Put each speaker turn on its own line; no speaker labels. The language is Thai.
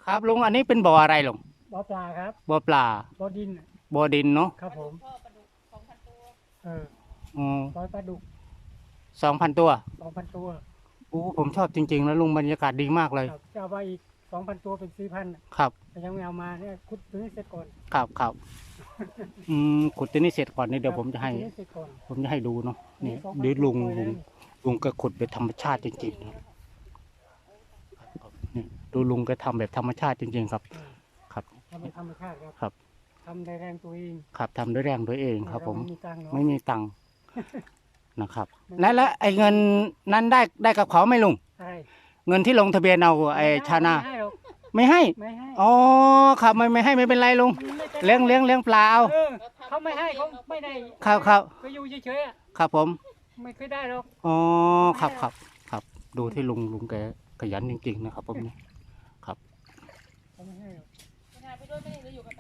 ครับลุงอันนี้เป็นบ่ออะไรลุง
บ่อปลาครับ
บ่อปลา
บ่อดิน
บ่อดินเนาะ
ครับผมเออ
อ๋อ
บ่อปลาดุก
2,000 ตัว
2,000 ตัว
โอ้ผมชอบจริงๆแล้วลุงบรรยากาศดีมากเลย
ครับจะเอาไปอีก2,000 ตัวเป็น4,000
ครับ
แต่ยังไม่เอามาเนี่ยขุดตัวนี้เสร็จก่อน
ครับขุดตัวนี้เสร็จก่อนนี่เดี๋ยวผมจะให้ดูเนาะนี่เดี๋ยวลุงก็ขุดแบบธรรมชาติจริงๆนะนี่ดูลุงก็ทำแบบธรรมชาติจริงๆครับครับ
ทำเป็นธรรมชาติ
ครับ
ทำได้แรงตัวเอง
ครับทำด้วยแรงตัวเองครับผมไม่มีตังค์ นะครับและไอ้เงินนั้นได้กับเขาไหมลุงเงินที่ลงทะเบียนเอาไอ้ชานาไม่ให้อ๋อครับไม่ให้ไม่เป็นไรลุงเลี้ยงปลาเอา
เขาไม่ให้เขาไม่ได้
ครับ
ไปอยู่เฉย
ๆครับผม
ไม่เคยได้หรอก
อ๋อครับดูที่ลุงแกขยันจริงๆนะครับผมนี่ครับ